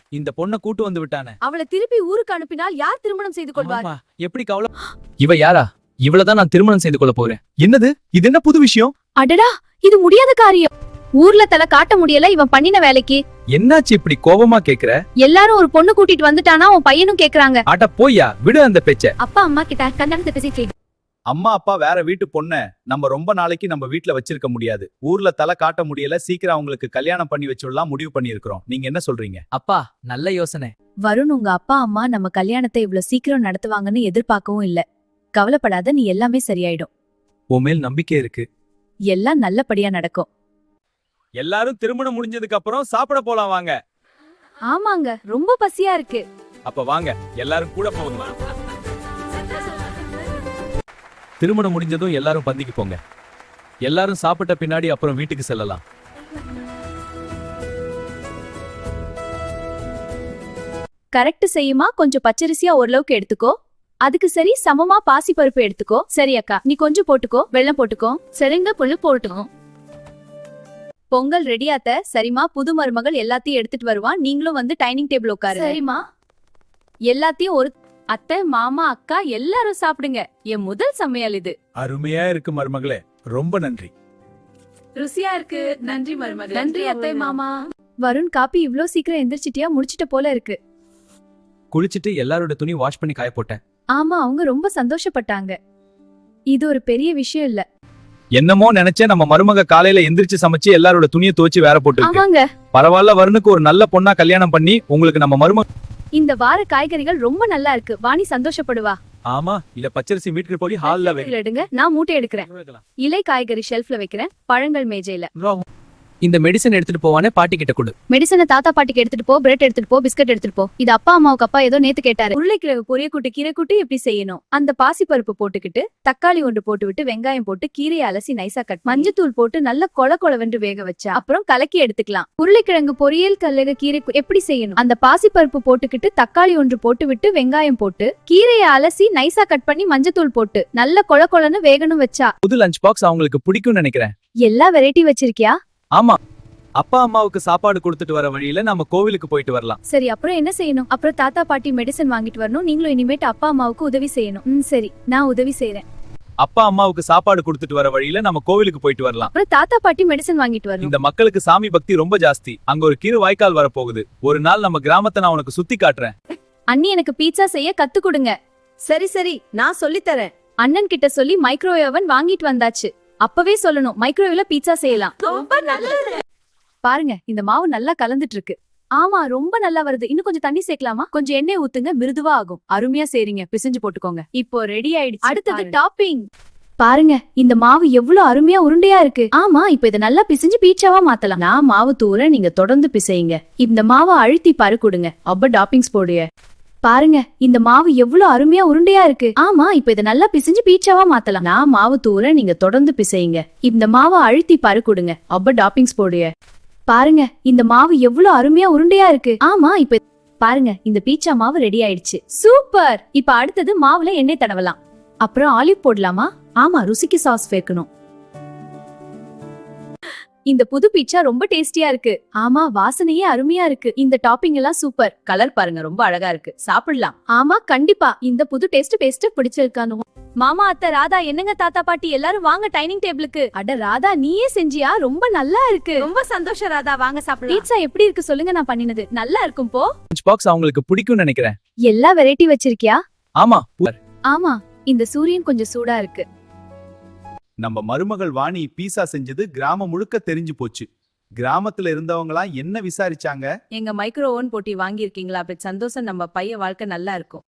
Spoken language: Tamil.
இந்த பொண்ண கூட்டு வந்து விட்டானே. அவளை திருப்பி ஊருக்கு அனுப்பினால் யார் திருமணம் செய்து கொள்வார்? ஆமா, எப்படி கவலை. இவ யாரா? இவளதான் நான் திருமணம் செய்து கொள்ள போறேன். என்னது இது? என்ன புது விஷயம்? அடடா, இது முடியாத காரியம். ஊர்ல தலை காட்ட முடியல இவன் பண்ணின வேலைக்கு. என்னாச்சு இப்படி கோபமா கேக்குற? எல்லாரும் ஒரு பொண்ணு கூட்டிட்டு வந்துட்டானா உன் பையனும் கேக்குறாங்க. அட போய்யா, விடு அந்த பேச்ச. அப்பா அம்மா கிட்ட கல்யாணத்தை பேசிட்டு. அம்மா அப்பா வேற வீட்டு பொண்ண நம்ம ரொம்ப நாளைக்கு நம்ம வீட்ல வச்சிருக்க முடியாது. ஊர்ல தலை காட்ட முடியல, சீக்கிரம் அவங்களுக்கு கல்யாணம் பண்ணி வச்சுடலாம் முடிவு பண்ணி இருக்கோம். நீங்க என்ன சொல்றீங்க? அப்பா, நல்ல யோசனை. வருண், உங்க அப்பா அம்மா நம்ம கல்யாணத்தை இவ்வளவு சீக்கிரம் நடத்துவாங்கன்னு எதிர்பார்க்கவும் இல்ல. கவலைப்படாத, நீ எல்லாமே சரியாயிடும். உன் மேல் நம்பிக்கை இருக்கு. எல்லாம் நல்லபடியா நடக்கும். எல்லாரும் திருமணம் முடிஞ்சதுக்கு அப்புறம் சாப்பிட போலாம் வாங்க. ஆமாங்க, ரொம்ப பசியா இருக்கு. அப்ப வாங்க, எல்லாரும் கூட போகலாம். திருமணம் முடிஞ்சதும் எல்லாரும் பந்திக்கு போங்க. எல்லாரும் சாப்பிட்ட பின்னாடி அப்புறம் வீட்டுக்கு செல்லலாம். கரெக்ட் செய்யுமா? கொஞ்சம் பச்சரிசியா ஓரளவுக்கு எடுத்துக்கோ. அதுக்கு சரி சமமா பாசி பருப்பு எடுத்துக்கோ. சரி அக்கா, நீ கொஞ்சம் போட்டுக்கோ. வெள்ளம் போட்டுக்கோ. சரிங்க, புல்லு போட்டுக்கோ. பொங்கல் ரெடியாத்த. சரிமா, புது மருமகள் எல்லாத்தையும் எடுத்துட்டு வருவான். நீங்களும் வந்து டைனிங் டேபிள் உட்காரு. சரிமா. எல்லாத்தையும் ஒரு அத்தை, மாமா, அக்கா எல்லாரும் சாப்பிடுங்க. என் முதல் சமையல் இது. அருமையா இருக்கு மருமகளே, ரொம்ப நன்றி. ருசியா இருக்கு. நன்றி மருமகளே. நன்றி அத்தை, மாமா. வருண், காப்பி இவ்ளோ சீக்கிரம் எந்திரிச்சிட்டியா? முடிச்சிட்ட போல இருக்கு. குளிச்சிட்டு எல்லாரோட துணி வாஷ் பண்ணி காய போட்டேன். ஆமா, அவங்க ரொம்ப சந்தோஷப்பட்டாங்க. இது ஒரு பெரிய விஷயம் இல்ல. என்னமோ நினைச்சேன், நம்ம மருமக காலையில எந்திரிச்சு சமைச்சு எல்லாரோட துணியை துவச்சு வேற போட்டு. ஆமாங்க. பரவாயில்ல, வருணுக்கு ஒரு நல்ல பொண்ணா கல்யாணம் பண்ணி உங்களுக்கு நம்ம மருமக. இந்த வார காய்கறிகள் ரொம்ப நல்லா இருக்கு. வாணி சந்தோஷப்படுவா. ஆமா, இல்ல பச்சரிசி வீட்டுக்கு போய் ஹால்ல எடுங்க, நான் மூட்டை எடுக்கிறேன். இலை காய்கறி ஷெல்ஃப்ல வைக்கிறேன், பழங்கள் மேஜையில. இந்த மெடிசன் எடுத்துட்டு போவானே பாட்டி கிட்ட கொடு. மெடிசனை தாத்தா பாட்டிக்கு எடுத்துட்டு போ. பிரெட் எடுத்துட்டு போ. பிஸ்கட் எடுத்துட்டு போ. இது அப்பா அம்மாவுக்கு அப்பா ஏதோ நேத்து கேட்டாரு. உருளைக்கிழங்கு பொரிய கூட்டு, கீரை கூட்டு எப்படி செய்யணும்? அந்த பாசி பருப்பு போட்டுக்கிட்டு தக்காளி ஒன்று போட்டு விட்டு வெங்காயம் போட்டு கீரையை அலசி நைசா கட், மஞ்சத்தூள் போட்டு நல்ல கொழவென்று வேக வச்சா அப்புறம் கலக்கி எடுத்துக்கலாம். உருளைக்கிழங்கு பொரியல் கல்லக கீரை எப்படி செய்யணும்? அந்த பாசி பருப்பு போட்டுக்கிட்டு தக்காளி ஒன்று போட்டு விட்டு வெங்காயம் போட்டு கீரையை அலசி நைசா கட் பண்ணி மஞ்சத்தூள் போட்டு நல்ல கொழன்னு வேகணும் வச்சா. புது லஞ்ச் பாக்ஸ் அவங்களுக்கு பிடிக்கும்னு நினைக்கிறேன். எல்லா வெரைட்டி வச்சிருக்கியா? ஆமா, அப்பா அம்மாவுக்கு சாப்பாடு கொடுத்துட்டு வர வழியில நம்ம கோவிலுக்கு போயிட்டு வரலாம். சரி, அப்புறம் என்ன செய்யணும்? அப்புறம் தாத்தா பாட்டி மெடிசன் வாங்கிட்டு வரணும். நீங்களும் இனிமேட்டு அப்பா அம்மாவுக்கு உதவி செய்யணும். சரி, நான் உதவி செய்யறேன். அப்பா அம்மாவுக்கு சாப்பாடு கொடுத்துட்டு வர வழியில நம்ம கோவிலுக்கு போயிட்டு வரலாம். அப்புறம் தாத்தா பாட்டி மெடிசன் வாங்கிட்டு வரணும். இந்த மக்களுக்கு சாமி பக்தி ரொம்ப ஜாஸ்தி. அங்க ஒரு கீரை வாய்க்கால் வரப்போகுது. ஒரு நாள் நம்ம கிராமத்தை நான் உனக்கு சுத்தி காட்டுறேன். அண்ணி, எனக்கு பீட்சா செய்ய கத்து கொடுங்க. சரி சரி, நான் சொல்லி தரேன். அண்ணன் கிட்ட சொல்லி மைக்ரோவேவ் ஓவன் வாங்கிட்டு வந்தாச்சு. அப்பவே சொல்லணும், மைக்ரோவேவ்ல பீட்சா செய்யலாம். ரொம்ப நல்லது. பாருங்க, இந்த மாவு நல்லா கலந்துட்டு இருக்கு. ஆமா, ரொம்ப நல்லா வருது. இன்னும் கொஞ்சம் தண்ணி சேர்க்கலாமா? கொஞ்சம் எண்ணெய் ஊத்துங்க, மிருதுவா ஆகும். அருமையா செய்றீங்க, பிசைஞ்சு போட்டுக்கோங்க. இப்போ ரெடி ஆயிடுச்சு. அடுத்தது டாப்பிங். பாருங்க, இந்த மாவு எவ்வளவு அருமையா உருண்டையா இருக்கு. ஆமா, இப்ப இத நல்லா பிசைஞ்சு பீட்சாவா மாத்தலாம். நான் மாவு தூர, நீங்க தொடர்ந்து பிசையுங்க. இந்த மாவை அழுத்தி பரு கொடுங்க. அப்ப டாப்பிங்ஸ் போடுங்க. பாருங்க, இந்த மாவு எவ்வளவு அருமையா உருண்டையா இருக்கு. ஆமா, இப்ப இத நல்லா பிசைஞ்சு பீட்சாவா மாத்தலாம். நான் மாவு தூர, நீங்க தொடர்ந்து பிசையுங்க. இந்த மாவை அழுத்தி பரு கொடுங்க. அப்ப டாப்பிங்ஸ் போடுங்க. பாருங்க, இந்த மாவு எவ்வளவு அருமையா உருண்டையா இருக்கு. ஆமா, இப்ப பாருங்க, இந்த பீட்சா மாவு ரெடி ஆயிடுச்சு. சூப்பர். இப்ப அடுத்தது மாவுல எண்ணெய் தடவலாம். அப்புறம் ஆலிவ் போடலாமா? ஆமா, ருசிக்கு சாஸ் சேர்க்கணும். இந்த புது பீட்சா ரொம்ப டேஸ்டியா இருக்கு. ஆமா, வாசனையே அருமையா இருக்கு. இந்த டாப்பிங் எல்லாம் சூப்பர். கலர் பாருங்க, ரொம்ப அழகா இருக்கு. சாப்பிடலாம். ஆமா, கண்டிப்பா. இந்த புது டேஸ்ட் பிடிச்சிருக்கானு. மாமா, அத்தை, ராதா, என்னங்க தாத்தா பாட்டி எல்லாரும் வாங்க டைனிங் டேபிளுக்கு. அட ராதா, நீயே செஞ்சியா? ரொம்ப நல்லா இருக்கு. ரொம்ப சந்தோஷம் ராதா, வாங்க சாப்பிடலாம். பீட்சா எப்படி இருக்கு சொல்லுங்க, நான் பண்ணினது நல்லா இருக்கும். போ. லஞ்ச் பாக்ஸ் அவங்களுக்கு பிடிக்கும்னு நினைக்கிறேன். எல்லா வெரைட்டி வச்சிருக்கியா? ஆமா. ஆமா, இந்த சூரியன் கொஞ்சம் சூடா இருக்கு. நம்ம மருமகள் வாணி பீஸா செஞ்சது கிராமம் முழுக்க தெரிஞ்சு போச்சு. கிராமத்துல இருந்தவங்களாம் என்ன விசாரிச்சாங்க? எங்க மைக்ரோ ஓவன் போட்டி வாங்கியிருக்கீங்களா? அப்படி சந்தோஷம், நம்ம பையன் வாழ்க்கை நல்லா இருக்கும்.